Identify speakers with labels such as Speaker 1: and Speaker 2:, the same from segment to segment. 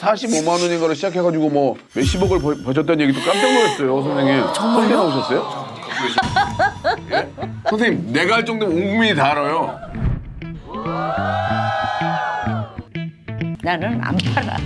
Speaker 1: 45만 원인가로 시작해가지고 뭐 몇십억을 버셨다는 얘기도 깜짝 놀랐어요, 선생님. 정말요? 나오셨어요? 예? 선생님, 내가 할 정도면 온 국민이 다 알아요.
Speaker 2: 나는 안 팔아.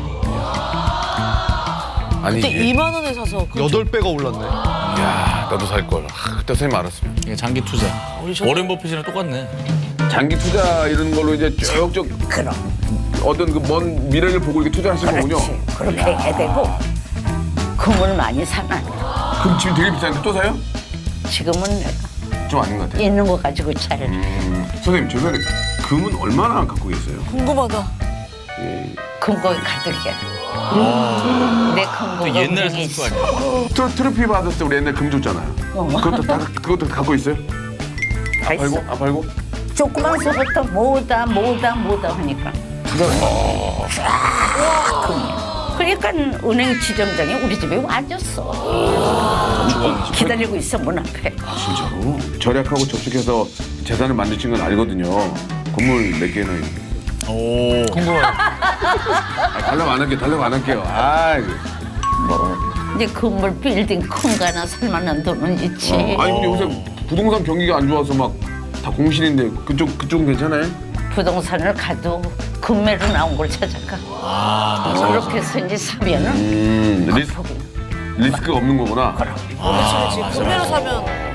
Speaker 1: 아니,
Speaker 3: 그때 2만 원에 사서
Speaker 4: 8배가 올랐네.
Speaker 1: 야, 나도 살 걸. 그때 선생님 알았으면.
Speaker 5: 이게 장기 투자. 워렌 버핏이랑 똑같네.
Speaker 1: 장기 투자 이런 걸로 이제 쭉쭉
Speaker 2: 그럼.
Speaker 1: 어떤 그 먼 미래를 보고 이렇게 투자하신 거군요.
Speaker 2: 그렇지. 그렇게 해야 되고 금을 많이 사놔.
Speaker 1: 그럼 지금 되게 비싼데 또 사요?
Speaker 2: 지금은
Speaker 1: 좀 아닌 것 같아요.
Speaker 2: 있는 거 가지고 잘.
Speaker 1: 선생님, 죄송한데 금은 얼마나 갖고 계세요?
Speaker 3: 궁금하다.
Speaker 2: 금고에 가득해. 내 금고가
Speaker 5: 옛날
Speaker 2: 우리
Speaker 5: 선수
Speaker 2: 있어.
Speaker 5: 아니야?
Speaker 1: 트로피 받았을 때 우리 옛날 금 줬잖아요. 그것도 갖고 있어요?
Speaker 2: 다 있어.
Speaker 1: 안 팔고?
Speaker 2: 조그만 서부터 뭐다 하니까. 쫙 금. 그러니까 은행 지점장이 우리 집에 와줬어. 기다리고 있어 문 앞에.
Speaker 1: 진짜로? 절약하고 저축해서 재산을 만드신 건 알거든요. 건물 몇 개나 있는데.
Speaker 5: 오.
Speaker 1: 달라고 안 할게요.
Speaker 2: 뭐 이제 건물 빌딩 큰 거 하나 살 만한 돈은 있지.
Speaker 1: 아니 근데 요새 부동산 경기가 안 좋아서 막 다 공실인데 그쪽은 괜찮아요?
Speaker 2: 부동산을 가도 금매로 나온 걸 찾아가. 그렇게 해서 이제 사면은
Speaker 1: 리스크가 없는 거구나.
Speaker 3: 그렇지. 금매로 사면